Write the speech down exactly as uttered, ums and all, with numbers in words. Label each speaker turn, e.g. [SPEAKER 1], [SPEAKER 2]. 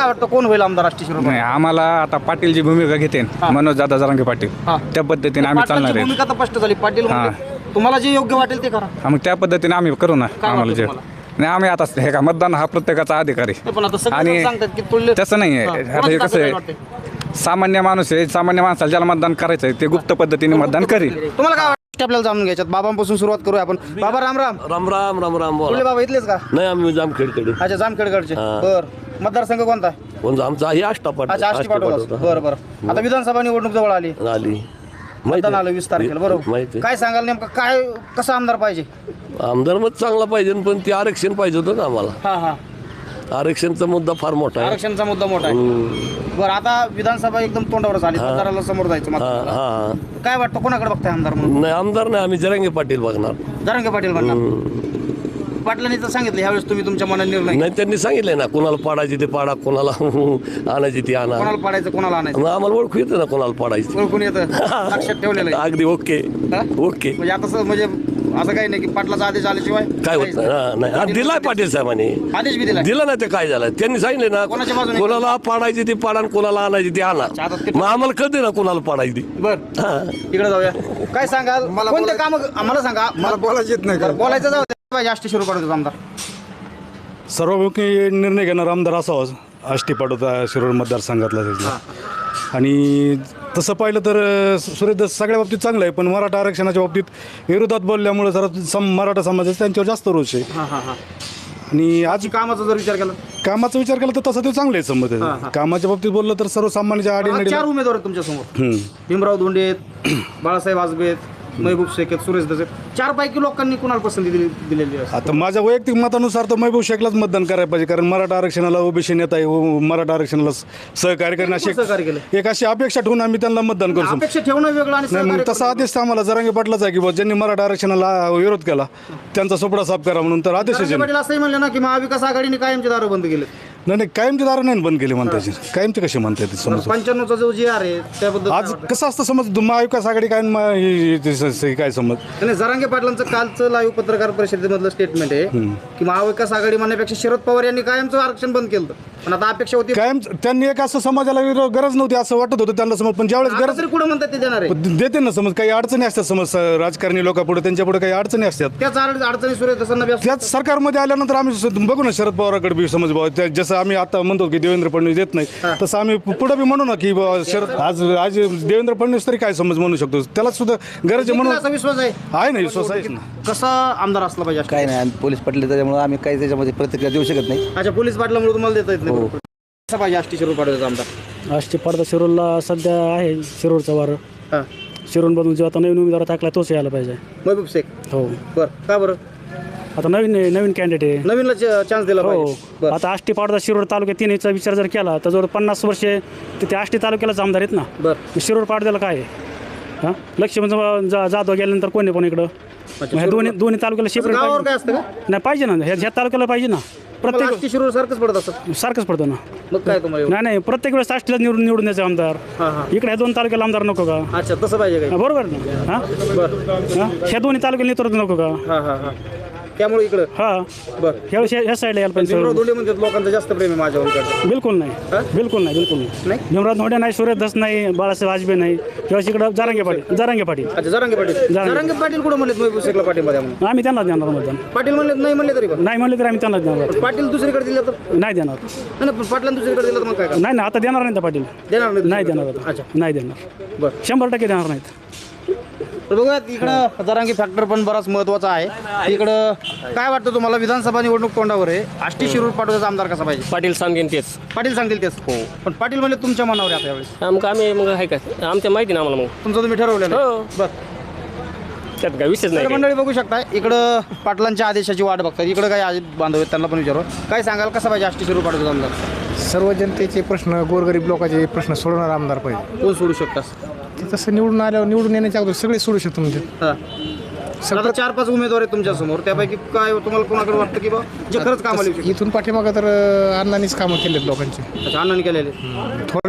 [SPEAKER 1] काय वाटतं कोण होईल आमदार आष्टी शिरूर?
[SPEAKER 2] नाही आम्हाला आता पाटील जी भूमिका घेते मनोज दादा जरांगे पाटील
[SPEAKER 1] हा.
[SPEAKER 2] त्या पद्धतीने आम्ही चालणार
[SPEAKER 1] पाटलांची
[SPEAKER 2] आहे.
[SPEAKER 1] भूमिका तर स्पष्ट झाली. पाटील म्हणले, तुम्हाला जे योग्य वाटेल ते करा.
[SPEAKER 2] हा, मग त्या पद्धतीने आम्ही करू ना.
[SPEAKER 1] काय
[SPEAKER 2] आम्हाला
[SPEAKER 1] वाटतं
[SPEAKER 2] जे
[SPEAKER 1] तुम्हाला?
[SPEAKER 2] नाही आम्ही आता हे का मतदान हा प्रत्येकाचा अधिकार आहे.
[SPEAKER 1] ते पण आता सगळे
[SPEAKER 2] आणि
[SPEAKER 1] सांगतात की तुल्य
[SPEAKER 2] तसं नाही आहे.
[SPEAKER 1] हा.
[SPEAKER 2] आता
[SPEAKER 1] कोणाची
[SPEAKER 2] हे
[SPEAKER 1] ताकद
[SPEAKER 2] कसं
[SPEAKER 1] आहे
[SPEAKER 2] आहे
[SPEAKER 1] वाटते?
[SPEAKER 2] सामान्य माणूस आहे. सामान्य माणसाला ज्याला मतदान करायचं आहे ते गुप्त पद्धतीने मतदान करेल.
[SPEAKER 1] तुम्हाला काय वाटतं आपल्याला जाणून घ्यायच्यात? बाबांपासून सुरुवात करूया आपण. बाबा राम राम.
[SPEAKER 3] राम राम राम राम
[SPEAKER 1] तुले
[SPEAKER 3] बोला.
[SPEAKER 1] बाबा इथलेच का?
[SPEAKER 3] नाही आम्ही जामखेडकडे.
[SPEAKER 1] अच्छा जामखेडकडचे.
[SPEAKER 3] हा.
[SPEAKER 1] बर मतदारसंघ कोणता?
[SPEAKER 3] कोणता आमचा हे आष्टापाट
[SPEAKER 1] अच्छा आष्टी पाठवला. बरं बरं. आता विधानसभा निवडणूक जवळ आली.
[SPEAKER 3] आली
[SPEAKER 1] मतदान आलं वीस तारखेला. बरोबर.
[SPEAKER 3] माहिती
[SPEAKER 1] काय सांगाल नेमकं काय कसा आमदार पाहिजे?
[SPEAKER 3] आमदार मत चांगला पाहिजे पण ते आरक्षण पाहिजे होतं ना आम्हाला.
[SPEAKER 1] हा हा.
[SPEAKER 3] आरक्षणचा मुद्दा फार मोठा आहे.
[SPEAKER 1] आरक्षणचा मुद्दा मोठा आहे. बरं आता विधानसभा एकदम तोंडावरच आली. मतदाराला समोर जायचं
[SPEAKER 3] हा
[SPEAKER 1] मतदाराला.
[SPEAKER 3] हा
[SPEAKER 1] काय वाटतं कोणाकडे बघताय आमदार म्हणून?
[SPEAKER 3] नाही आमदार नाही आम्ही जरांगे पाटील बघणार.
[SPEAKER 1] जरांगे पाटील म्हणणार. पाटलांनी तर सांगितलं ह्यावेळेस तुम्ही तुमच्या मनात निर्णय.
[SPEAKER 3] नाही त्यांनी सांगितलंय ना कोणाला पाडायची ते पाडा कोणाला आणायची ती आणा.
[SPEAKER 1] कोणाला पाडायचं कोणाला आणायचं
[SPEAKER 3] मग आम्हाला ओळखू येतं ना कोणाला पाडायची.
[SPEAKER 1] ओळखून येतं. लक्षात ठेवलेलं आहे.
[SPEAKER 3] अगदी ओके
[SPEAKER 1] हा?
[SPEAKER 3] ओके.
[SPEAKER 1] म्हणजे आता असं म्हणजे असं काही नाही की पाटलाचा आदेश आल्याशिवाय
[SPEAKER 3] काय होत नाही हा, नाही हा, दिलाय पाटील साहेबांनी.
[SPEAKER 1] आदेश बी दिला.
[SPEAKER 3] दिलं नाही ते काय झालं त्यांनी सांगितले ना
[SPEAKER 1] कोणाच्या बाजूने?
[SPEAKER 3] कोणाला पाडायची ती पाडा आणि कोणाला आणायची ती आणा.
[SPEAKER 1] आता ते-
[SPEAKER 3] मग आम्हाला कळते ना कोणाला पाडायची ती.
[SPEAKER 1] बर
[SPEAKER 3] हा.
[SPEAKER 1] इकडे जाऊया. काय सांगाल कोणते काम आम्हाला सांगा.
[SPEAKER 4] मला बोलायचं येत नाही
[SPEAKER 1] बरं, बोलायचं जाऊ दे. पाहिजे आष्टी शिरूर पाडतो आमदार.
[SPEAKER 4] सर्वमुखी निर्णय घेणार आमदार असावा आष्टी पाडोदा शिरूर मतदारसंघातला त्याचा. आणि तसं पाहिलं तर अ, सुरेश सगळ्या बाबतीत चांगलं आहे पण मराठा आरक्षणाच्या बाबतीत विरोधात बोलल्यामुळे जरा सम मराठा समाजाचा त्यांच्यावर जास्त रोष आहे.
[SPEAKER 1] हा हा हा.
[SPEAKER 4] आणि आज
[SPEAKER 1] कामाचा जर विचार केला
[SPEAKER 4] कामाचा विचार केला तर तसं ते चांगलं आहे संमत
[SPEAKER 1] हा,
[SPEAKER 4] आहे.
[SPEAKER 1] हा.
[SPEAKER 4] कामाच्या बाबतीत बोललं तर सर्वसामान्यांच्या
[SPEAKER 1] आज
[SPEAKER 4] आडीनडी
[SPEAKER 1] चार उमेदवार आहेत तुमच्या समोर. भीमराव धोंडे आहेत, बाळासाहेब आजबे आहेत, महबूब शेख आहेत, सुरेश दस आहेत. चार पैकी लोकांनी कुणाला पसंती दिली दिलेली आहे?
[SPEAKER 4] आता माझ्या वैयक्तिक मतानुसार तर महबूब शेखलाच मतदान करायला पाहिजे कारण मराठा आरक्षणाला ओबीसी नेता आहे व मराठा आरक्षणाला सहकार्य करणे अशी
[SPEAKER 1] सहकार्य केलं.
[SPEAKER 4] एक अशी अपेक्षा ठेवून आम्ही त्यांना मतदान करू शकतो.
[SPEAKER 1] अपेक्षा ठेवणं वेगळं आणि
[SPEAKER 4] नाही मग
[SPEAKER 1] सहकार्य
[SPEAKER 4] तसा
[SPEAKER 1] करणं
[SPEAKER 4] आदेश तर आम्हाला जरांगे पाटलाच आहे की बुवा ज्यांनी मराठा आरक्षणाला विरोध केला त्यांचा सोपडा साफ करा म्हणून तर आदेश
[SPEAKER 1] जरांगे
[SPEAKER 4] आहे.
[SPEAKER 1] पाटील असंही म्हणले ना की महाविकास आघाडीने कायमचे दार बंद केले.
[SPEAKER 4] नाही नाही कायमचे दार नाही बंद केले म्हणता येईल. कायमचे कसे म्हणता येते समज
[SPEAKER 1] पंच्याण्णवचा जो जी आर आहे त्याबद्दल
[SPEAKER 4] आज कसं असतं समज महाविकास आघाडी काय आणि म- हे- हे- हे- हे काय समज
[SPEAKER 1] नाही जरांगे पाटलांचं कालचं लाईव्ह पत्रकार परिषदेमधलं स्टेटमेंट आहे की महाविकास आघाडी म्हणण्यापेक्षा शरद पवार यांनी कायमचं आरक्षण बंद केलं. पण आता अपेक्षा होती
[SPEAKER 4] कायम त्यांनी एक असं समाजाला विरोध गरज नव्हती असं वाटत होतं त्यांना समज पण ज्यावेळेस
[SPEAKER 1] आता
[SPEAKER 4] गरज
[SPEAKER 1] तरी कुठं म्हणतात ते देणार आहे.
[SPEAKER 4] पण देते ना समज काही अडचणी असतात समज स- राजकारणी लोकांपुढे त्यांच्या पुढे काही अडचणी असतात
[SPEAKER 1] त्याच अड- अडचणी सुरू आहेत तसं नव्या
[SPEAKER 4] त्याच सरकारमध्ये आल्यानंतर आम्ही स- बघू ना शरद पवाराकडे बी समज भाऊ त्या- जसं आम्ही आता म्हणतो की देवेंद्र फडणवीस देत नाही तसं आम्ही पु- पुढे बी म्हणू ना की बुवा शरद आज आज देवेंद्र फडणवीस तरी काय समज म्हणू शकतो त्याला सुद्धा गरज आहे म्हणून
[SPEAKER 1] असा विश्वास आहे.
[SPEAKER 4] आहे ना विश्वास आहेच ना.
[SPEAKER 1] कसा आमदार असला पाहिजे?
[SPEAKER 5] काय नाही आम्ही पोलीस पटले त्याच्यामुळे आम्ही काही त्याच्यामध्ये प्रतिक्रिया देऊ शकत नाही.
[SPEAKER 1] अच्छा पोलीस पाटलामुळे तुम्हाला देता येत नाही. कसा पाहिजे आष्टी शिरूर पाडव्याचा आमदार?
[SPEAKER 6] आष्टी पाडदा शिरूरला सध्या आहे शिरूरचा वारं.
[SPEAKER 1] हा
[SPEAKER 6] शिरूरमधून जो आता नवीन उमेदवार टाकला तोच यायला पाहिजे.
[SPEAKER 1] महबूब शेख.
[SPEAKER 6] हो
[SPEAKER 1] बर का बरं
[SPEAKER 6] आता नवीन नवीन कॅन्डिडेट आहे.
[SPEAKER 1] नवीनला चान्स दिला
[SPEAKER 6] हो
[SPEAKER 1] पाहिजे. बरं.
[SPEAKER 6] आता आष्टी पाडदा शिरूर तालुक्यात तिन्हीचा विचार जर केला तर जवळ पन्नास वर्षे ते त्या आष्टी तालुक्यालाच आमदार आहेत ना.
[SPEAKER 1] बरं
[SPEAKER 6] शिरूर पाडद्याला काय आहे हां लक्ष्मण जा जाधव गेल्यानंतर कोणी पण इकडं मग ह्या दोन्ही दोन्ही तालुक्याला सेपरेट
[SPEAKER 1] गावावर काय
[SPEAKER 6] पाहिजे.
[SPEAKER 1] असतं का?
[SPEAKER 6] नाही पाहिजे ना ह्या ह्या तालुक्याला पाहिजे ना प्रत्येक
[SPEAKER 1] आष्टी शिरूर सारखंच पडत असत.
[SPEAKER 6] सारखंच पडतो ना.
[SPEAKER 1] मग काय तुम्हाला एवढं?
[SPEAKER 6] नाही नाही प्रत्येक वेळेस आष्टीला निवडून निवडून द्यायचे आमदार.
[SPEAKER 1] हा हा
[SPEAKER 6] इकडे ह्या दोन तालुक्याला आमदार नको का?
[SPEAKER 1] अच्छा तसं पाहिजे काय?
[SPEAKER 6] हा, बरोबर ना. हां
[SPEAKER 1] बरं
[SPEAKER 6] हां ह्या दोन्ही तालुक्याला नेतृत्व नको का?
[SPEAKER 1] हा हा हा त्यामुळे इकडं
[SPEAKER 6] हां
[SPEAKER 1] बरं
[SPEAKER 6] ह्या ह्या साईडला यायला पाहिजे.
[SPEAKER 1] भीमराव धोंडे म्हणतात लोकांचं जास्त प्रेम आहे माझ्यावर.
[SPEAKER 6] बिलकुल नाही
[SPEAKER 1] हा?
[SPEAKER 6] बिलकुल नाही बिलकुल नाही.
[SPEAKER 1] नाही
[SPEAKER 6] भीमराव धोंडे नाही सुरेश धस नाही बाळासाहेब आजबे नाही किंवा इकडं जरांगे पाटील जरांगे पाटील
[SPEAKER 1] अच्छा जरांगे पाटील जरांगे पाटील कुठं म्हणलेत महबूब शेखला पाठिंबा द्या म्हणून?
[SPEAKER 6] आम्ही त्यांनाच देणार मतदान.
[SPEAKER 1] पाटील म्हणलेत नाही म्हणले तरी पण
[SPEAKER 6] नाही म्हणले तर आम्ही त्यांनाच देणार.
[SPEAKER 1] पाटील दुसरीकडे दिलं तर
[SPEAKER 6] नाही देणार.
[SPEAKER 1] नाही नाही, पण पाटलांना दुसरीकडे दिलं तर मग काय करणार?
[SPEAKER 6] नाही ना आता देणार नाही त्या पाटील.
[SPEAKER 1] देणार नाही
[SPEAKER 6] नाही
[SPEAKER 1] दुसरीकडे?
[SPEAKER 6] देणार आता.
[SPEAKER 1] अच्छा
[SPEAKER 6] नाही देणार
[SPEAKER 1] बरं
[SPEAKER 6] शंभर टक्के देणार नाहीत.
[SPEAKER 1] तर बघूयात इकडं जरांगी फॅक्टर पण बराच महत्वाचा आहे. इकडं काय वाटतं तुम्हाला विधानसभा निवडणूक तोंडावर आहे आष्टी शिरूर पाडव्याचा आमदार कसा पाहिजे?
[SPEAKER 7] पाटील सांगेन तेच.
[SPEAKER 1] पाटील सांगतील तेच हो पण पाटील म्हणजे तुमच्या मनावर आहे आता यावेळेस
[SPEAKER 7] मग आम्ही मग आहे का आमच्या माहिती ना आम्हाला मग
[SPEAKER 1] तुमचं तुम्ही ठरवलं
[SPEAKER 7] हो.
[SPEAKER 1] बरं
[SPEAKER 7] त्यात काय विषयच
[SPEAKER 1] तर
[SPEAKER 7] नाही काही.
[SPEAKER 1] मंडळी बघू शकता इकडं पाटलांच्या आदेशाची वाट बघतात. इकडं काही आज बांधव आहेत त्यांना पण विचारू काय सांगाल कसा पाहिजे आष्टी शिरूर पाडव्याचा आमदार?
[SPEAKER 8] सर्व जनतेचे प्रश्न गोरगरीब लोकांचे प्रश्न सोडवणार आमदार पाहिजे.
[SPEAKER 1] कोण सोडू शकतास?
[SPEAKER 8] ते तसं निवडून आल्यावर निवडून येण्याच्या अगोदर सगळे सोडू शकतो म्हणजे
[SPEAKER 1] हां आता चार पाच उमेदवार आहेत तुमच्या समोर त्यापैकी काय तुम्हाला कोणाकडे वाटतं की बा जे खरंच कामाला येऊ शकतं?
[SPEAKER 8] इथून पाठीमागं तर अं, अण्णांनीच कामं केलेत लोकांची.
[SPEAKER 1] अच्छा अण्णांनी केलेले
[SPEAKER 8] थोर